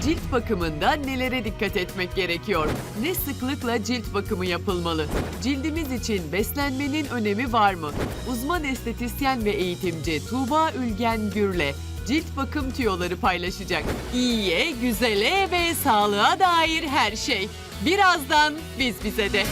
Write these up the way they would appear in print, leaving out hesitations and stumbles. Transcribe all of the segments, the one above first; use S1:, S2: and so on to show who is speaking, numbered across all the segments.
S1: Cilt bakımında nelere dikkat etmek gerekiyor? Ne sıklıkla cilt bakımı yapılmalı? Cildimiz için beslenmenin önemi var mı? Uzman estetisyen ve eğitimci Tuğba Ülgen Gür'le cilt bakım tüyoları paylaşacak. İyiye, güzele ve sağlığa dair her şey. Birazdan biz bize de.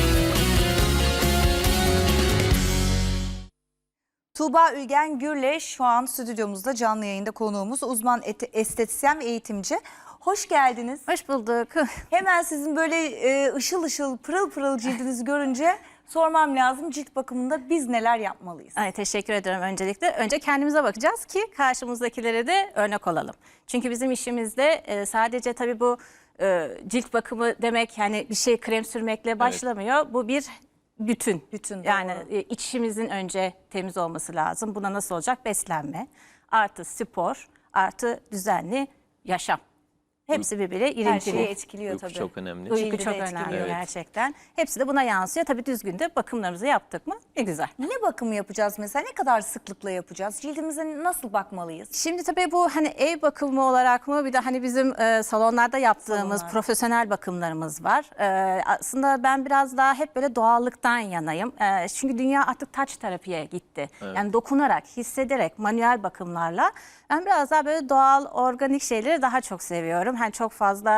S2: Tuğba Ülgen Gür'le şu an stüdyomuzda canlı yayında konuğumuz uzman estetisyen ve eğitimci. Hoş geldiniz.
S3: Hoş bulduk.
S2: Hemen sizin böyle ışıl ışıl pırıl pırıl cildinizi görünce sormam lazım, cilt bakımında biz neler yapmalıyız?
S3: Ay, teşekkür ederim öncelikle. Önce kendimize bakacağız ki karşımızdakilere de örnek olalım. Çünkü bizim işimizde sadece tabii bu cilt bakımı demek yani bir şey krem sürmekle başlamıyor. Bu bir bütün. Yani içimizin önce temiz olması lazım. Buna nasıl olacak? Beslenme, artı spor, artı düzenli yaşam. Hepsi birbiriyle
S2: Her
S3: ilintili.
S2: şeyi etkiliyor
S4: Uyku
S2: tabii.
S4: çok önemli.
S3: Uyku
S2: Cildi
S3: çok
S2: de etkiliyor.
S3: önemli
S4: Evet.
S3: gerçekten. Hepsi de buna yansıyor. Tabii düzgün de bakımlarımızı yaptık mı ne güzel.
S2: Ne bakımı yapacağız mesela? Ne kadar sıklıkla yapacağız? Cildimize nasıl bakmalıyız?
S3: Şimdi tabii bu hani ev bakımı olarak mı bir de hani bizim salonlarda yaptığımız profesyonel bakımlarımız var. Aslında ben biraz daha hep böyle doğallıktan yanayım. Çünkü dünya artık touch terapiye gitti.
S4: Evet.
S3: Yani dokunarak, hissederek, manuel bakımlarla ben biraz daha böyle doğal, organik şeyleri daha çok seviyorum. Hani çok fazla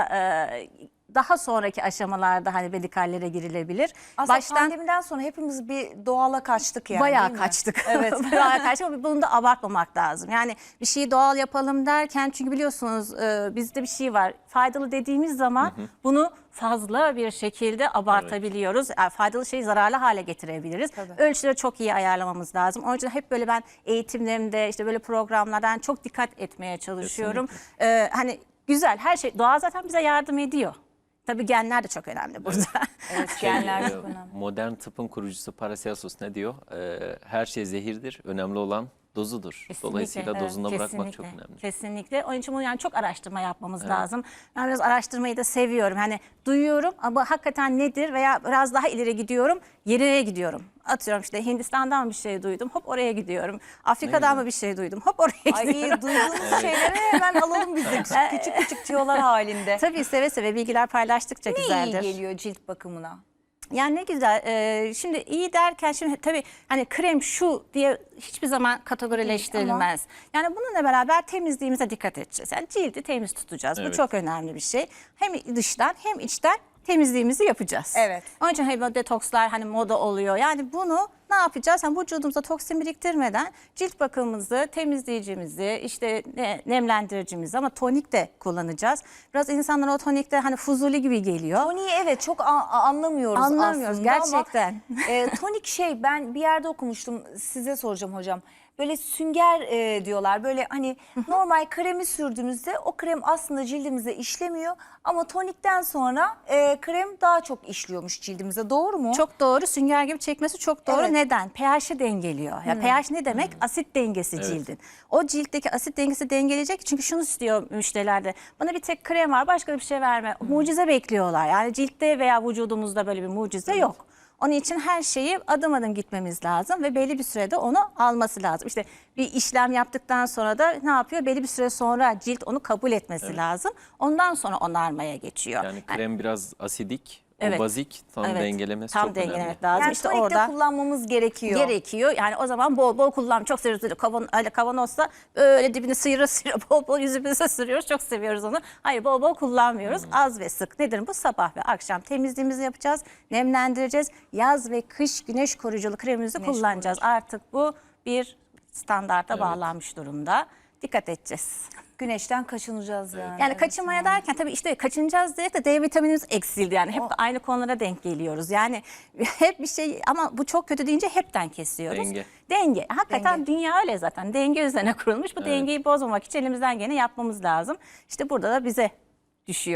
S3: daha sonraki aşamalarda hani medikallere girilebilir.
S2: Aslında pandemiden sonra hepimiz bir doğala kaçtık yani.
S3: Bayağı
S2: değil mi?
S3: kaçtık.
S2: Evet.
S3: Bayağı kaçtık ama bunu da abartmamak lazım. Yani bir şeyi doğal yapalım derken çünkü biliyorsunuz bizde bir şey var. Faydalı dediğimiz zaman bunu fazla bir şekilde abartabiliyoruz. Yani faydalı şeyi zararlı hale getirebiliriz. Ölçüleri çok iyi ayarlamamız lazım. Onun için hep böyle ben eğitimlerimde işte böyle programlardan çok dikkat etmeye çalışıyorum. Hani güzel her şey doğal zaten bize yardım ediyor. Tabii genler de çok önemli burada.
S2: Evet, genler çok önemli.
S4: Modern tıbbın kurucusu Paracelsus ne diyor? Her şey zehirdir. Önemli olan dozudur.
S3: Kesinlikle,
S4: Dolayısıyla dozunda bırakmak
S3: kesinlikle,
S4: çok önemli.
S3: Kesinlikle. Onun için bunu yani çok araştırma yapmamız lazım. Ben biraz araştırmayı da seviyorum. Hani duyuyorum ama hakikaten nedir veya biraz daha ileri gidiyorum, yerine gidiyorum. Atıyorum işte Hindistan'dan bir şey duydum, hop oraya gidiyorum. Afrika'dan mı bir şey duydum, hop oraya gidiyorum.
S2: Ay duyduğumuz şeyleri hemen alalım biz de küçük küçük tüyolar halinde.
S3: Tabii seve seve bilgiler paylaştıkça
S2: Ne
S3: güzeldir.
S2: iyi geliyor cilt bakımına?
S3: Yani ne güzel. Şimdi iyi derken şimdi tabii hani krem şu diye hiçbir zaman kategorileştirilmez. Yani bununla beraber temizliğimize dikkat edeceğiz. Yani cildi temiz tutacağız. Bu
S4: Evet.
S3: çok önemli bir şey. Hem dıştan hem içten temizliğimizi yapacağız.
S2: Evet.
S3: Onun için hani böyle detokslar hani moda oluyor. Yani bunu ne yapacağız? Yani vücudumuza toksin biriktirmeden cilt bakımımızı, temizleyicimizi, işte nemlendiricimizi ama tonik de kullanacağız. Biraz insanlar o tonikte hani fuzuli gibi geliyor.
S2: Toniği evet çok anlamıyoruz
S3: Anlamıyoruz
S2: aslında
S3: gerçekten.
S2: ama tonik şey ben bir yerde okumuştum, size soracağım hocam. Böyle sünger diyorlar, böyle hani normal kremi sürdüğümüzde o krem aslında cildimize işlemiyor ama tonikten sonra krem daha çok işliyormuş cildimize, doğru mu?
S3: Çok doğru. Sünger gibi çekmesi çok doğru.
S2: Evet.
S3: Neden? pH'i dengeliyor. Ya pH ne demek? Asit dengesi cildin. O ciltteki asit dengesi dengeleyecek. Çünkü şunu istiyor müşterilerde. Bana bir tek krem var, başka bir şey verme. Mucize bekliyorlar. Yani ciltte veya vücudumuzda böyle bir mucize yok. Onun için her şeyi adım adım gitmemiz lazım ve belli bir sürede onu alması lazım. İşte bir işlem yaptıktan sonra da ne yapıyor? Belli bir süre sonra cilt onu kabul etmesi lazım. Ondan sonra onarmaya geçiyor.
S4: Yani krem biraz asidik,
S3: Evet.
S4: o bazik tam
S3: Evet,
S4: dengelemesi
S3: tam
S4: çok önemli.
S3: dengelemek lazım.
S2: Yani
S3: işte
S2: tonikte
S3: orada
S2: kullanmamız gerekiyor.
S3: gerekiyor. Yani o zaman bol bol kullan. Çok seviyoruz. Öyle kavanozsa öyle dibini sıyıra sıyıra bol bol yüzümüze sürüyoruz. Çok seviyoruz onu. Hayır, bol bol kullanmıyoruz. Az ve sık. Nedir bu? Sabah ve akşam temizliğimizi yapacağız. Nemlendireceğiz. Yaz ve kış güneş koruyuculu kremimizi kullanacağız. Artık bu bir standarta bağlanmış durumda. Dikkat edeceğiz.
S2: Güneşten kaçınacağız yani.
S3: Yani kaçınmaya derken tabii işte kaçınacağız diye de D vitaminimiz eksildi. Yani hep aynı konulara denk geliyoruz. Yani hep bir şey ama bu çok kötü deyince hepten kesiyoruz.
S4: Denge.
S3: Denge. Hakikaten dünya öyle zaten. Denge üzerine kurulmuş. Bu dengeyi bozmamak için elimizden gene yapmamız lazım. İşte burada da bize düşüyor.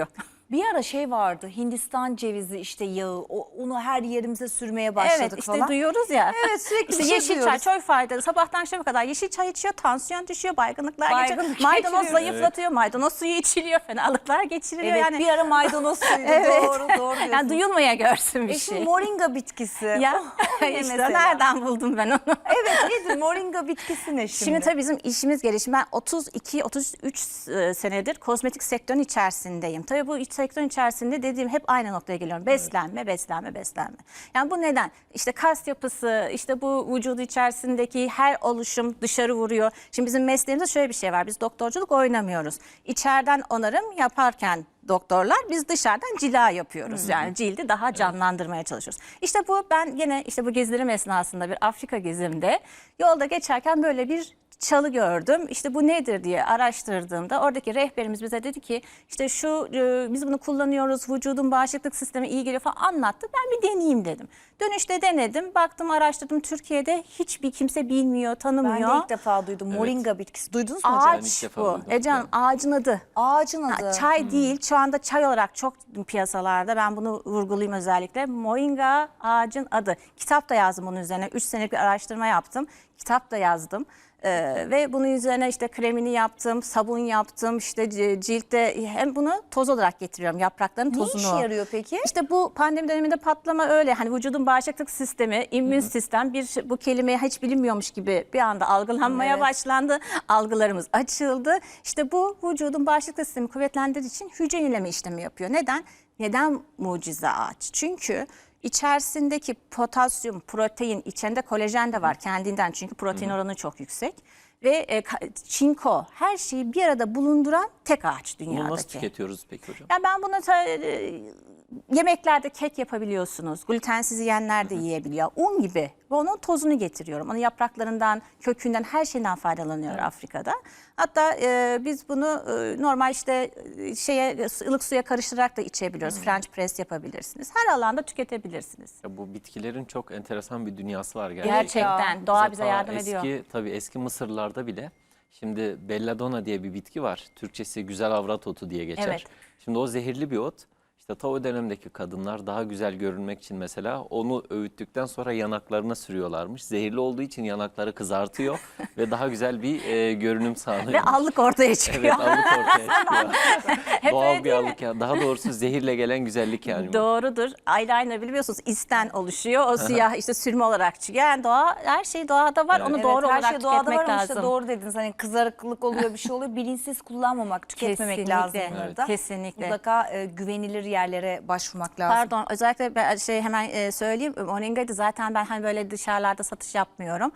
S2: Bir ara şey vardı, Hindistan cevizi işte yağı, onu her yerimize sürmeye başladık
S3: Evet işte
S2: falan.
S3: duyuyoruz ya.
S2: Evet, sürekli
S3: İşte
S2: bir şey
S3: yeşil çay
S2: duyuyoruz.
S3: çok faydalı. Sabahtan akşama kadar yeşil çay içiyor, tansiyon düşüyor, baygınlıklar geçiyor.
S2: Baygınlık
S3: Maydanoz
S2: geçiriyor.
S3: zayıflatıyor, maydanoz suyu içiliyor, fenalıklar geçiriliyor.
S2: Evet,
S3: yani
S2: bir ara maydanoz suydu,
S3: Evet.
S2: doğru diyorsun.
S3: yani duyulmaya görsün bir
S2: Şimdi
S3: şey.
S2: moringa bitkisi.
S3: Ya
S2: Ne
S3: işte
S2: mesela?
S3: nereden buldum ben onu?
S2: Evet, nedir moringa bitkisi ne şimdi?
S3: Şimdi tabii bizim işimiz gelişim. Ben 32-33 senedir kozmetik sektörün içerisindeyim. Tabii bu sektörün içerisinde dediğim hep aynı noktaya geliyorum. Beslenme, beslenme, beslenme. Yani bu neden? İşte kas yapısı, işte bu vücudu içerisindeki her oluşum dışarı vuruyor. Şimdi bizim mesleğimizde şöyle bir şey var. Biz doktorculuk oynamıyoruz. İçeriden onarım yaparken doktorlar biz dışarıdan cila yapıyoruz. Yani cildi daha canlandırmaya çalışıyoruz. İşte bu ben yine işte bu gezilerim esnasında bir Afrika gezimde yolda geçerken böyle bir çalı gördüm. İşte bu nedir diye araştırdığımda oradaki rehberimiz bize dedi ki işte şu biz bunu kullanıyoruz, vücudun bağışıklık sistemi iyi geliyor falan anlattı. Ben bir deneyeyim dedim. Dönüşte denedim, baktım, araştırdım. Türkiye'de hiçbir kimse bilmiyor, tanımıyor.
S2: Ben de ilk defa duydum moringa bitkisi. Duydunuz mu hocam?
S4: Ben ilk
S3: Ağaç
S4: defa
S3: bu.
S4: duydum.
S3: Ecem ağacın adı.
S2: Ağacın adı.
S3: Çay değil. Şu anda çay olarak çok piyasalarda. Ben bunu vurgulayayım özellikle. Moringa ağacın adı. Kitap da yazdım bunun üzerine. 3 senelik bir araştırma yaptım. Kitap da yazdım. Ve bunun üzerine işte kremini yaptım, sabun yaptım. İşte ciltte hem bunu toz olarak getiriyorum. Yaprakların
S2: Ne
S3: tozunu.
S2: işe yarıyor peki?
S3: İşte bu pandemi döneminde patlama öyle. Hani vücudun bağışıklık sistemi, immün sistem bu kelimeye hiç bilinmiyormuş gibi bir anda algılanmaya
S2: Evet.
S3: başlandı. Algılarımız açıldı. İşte bu vücudun bağışıklık sistemi kuvvetlendirdiği için hücre yenileme işlemi yapıyor. Neden? Neden mucize ağaç? Çünkü içerisindeki potasyum, protein, içinde kolajen de var kendinden. Çünkü protein oranı çok yüksek. Ve çinko, her şeyi bir arada bulunduran tek ağaç dünyadaki.
S4: Bunu nasıl tüketiyoruz peki hocam?
S3: Yani ben bunu yemeklerde kek yapabiliyorsunuz. Glutensiz yiyenler de yiyebiliyor. Un gibi. Ve onun tozunu getiriyorum. Onun yapraklarından, kökünden, her şeyden faydalanıyor Afrika'da. Hatta biz bunu normal işte ılık suya karıştırarak da içebiliyoruz. French press yapabilirsiniz. Her alanda tüketebilirsiniz.
S4: Ya bu bitkilerin çok enteresan bir dünyası var gerçekten.
S3: Gerçekten. Doğa bize
S4: Ta
S3: yardım ediyor.
S4: Tabii eski Mısırlarda bile şimdi belladonna diye bir bitki var. Türkçesi güzel avrat otu diye geçer.
S3: Evet.
S4: Şimdi o zehirli bir ot. İşte ta o dönemdeki kadınlar daha güzel görünmek için mesela onu öğüttükten sonra yanaklarına sürüyorlarmış. Zehirli olduğu için yanakları kızartıyor ve daha güzel bir görünüm sağlıyor.
S3: Ve allık ortaya çıkıyor.
S4: Evet, allık ortaya çıkıyor.
S3: Hep
S4: Doğal
S3: öyle
S4: bir
S3: değil mi?
S4: allık ya. Daha doğrusu zehirle gelen güzellik yani. bu.
S3: Doğrudur. Eyeliner biliyorsunuz isten oluşuyor. O siyah işte sürme olarak çıkıyor. Yani doğa, her şey doğada var.
S4: Evet.
S3: Onu
S2: Evet,
S3: doğru
S2: her
S3: olarak
S2: şey doğada
S3: tüketmek
S2: var ama
S3: lazım.
S2: işte doğru dediniz. Hani kızarıklık oluyor, bir şey oluyor. Bilinçsiz kullanmamak, tüketmemek
S3: Kesinlikle.
S2: lazım bunları
S3: Evet.
S2: da.
S3: Kesinlikle.
S2: Mutlaka güvenilir yerlere başvurmak lazım.
S3: Pardon, özellikle ben hemen söyleyeyim. Moringa'yı da zaten ben hani böyle dışarılarda satış yapmıyorum.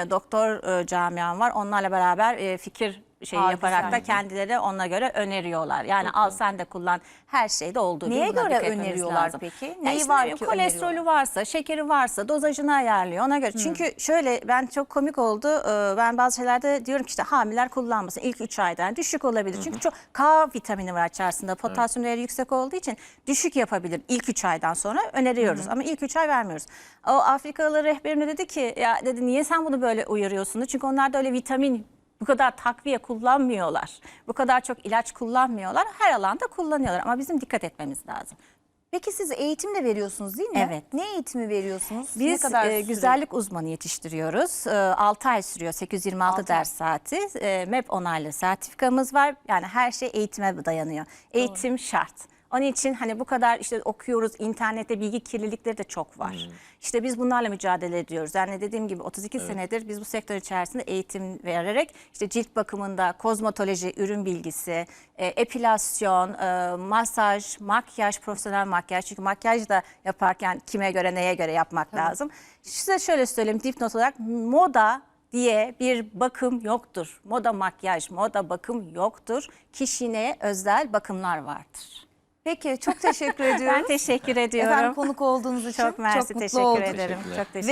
S3: Doktor camiam var. Onlarla beraber fikir yaparak
S2: güzel.
S3: da kendileri ona göre öneriyorlar. Yani al sen de kullan. Her şeyde olduğu gibi
S2: Neye
S3: buna
S2: göre
S3: dikkat etmemiz
S2: öneriyorlar
S3: lazım.
S2: peki?
S3: Ya
S2: Neyi
S3: işte
S2: var ki
S3: kolesterolü
S2: öneriyorlar?
S3: varsa, şekeri varsa dozajını ayarlıyor ona göre. Çünkü şöyle ben çok komik oldu. Ben bazı şeylerde diyorum ki işte hamileler kullanmasın. İlk 3 ayda yani düşük olabilir. Çünkü çok K vitamini var içerisinde. Potasyum değeri yüksek olduğu için düşük yapabilir. İlk 3 aydan sonra öneriyoruz. Ama ilk 3 ay vermiyoruz. O Afrikalı rehberim de dedi ki ya dedi niye sen bunu böyle uyarıyorsun? Çünkü onlarda öyle vitamin bu kadar takviye kullanmıyorlar. Bu kadar çok ilaç kullanmıyorlar. Her alanda kullanıyorlar ama bizim dikkat etmemiz lazım.
S2: Peki siz eğitim de veriyorsunuz değil mi?
S3: Evet.
S2: Ne eğitimi veriyorsunuz? ne
S3: Biz
S2: kadar süre?
S3: güzellik uzmanı yetiştiriyoruz. 6 ay sürüyor, 826
S2: Altı ay.
S3: ders saati. MEP onaylı sertifikamız var. Yani her şey eğitime dayanıyor. Eğitim şart. Onun için hani bu kadar işte okuyoruz, internette bilgi kirlilikleri de çok var. İşte biz bunlarla mücadele ediyoruz. Yani dediğim gibi 32 senedir biz bu sektör içerisinde eğitim vererek işte cilt bakımında kozmetoloji, ürün bilgisi, epilasyon, masaj, makyaj, profesyonel makyaj. Çünkü makyaj da yaparken kime göre neye göre yapmak lazım. Size şöyle söyleyeyim dipnot olarak moda diye bir bakım yoktur. Moda makyaj, moda bakım yoktur. Kişine özel bakımlar vardır.
S2: Peki çok teşekkür ediyorum.
S3: Ben teşekkür ediyorum.
S2: Efendim konuk olduğunuz için
S3: Çok mersi,
S2: mutlu
S3: teşekkür
S2: olduk.
S3: ederim.
S4: Teşekkürler.
S3: Çok teşekkür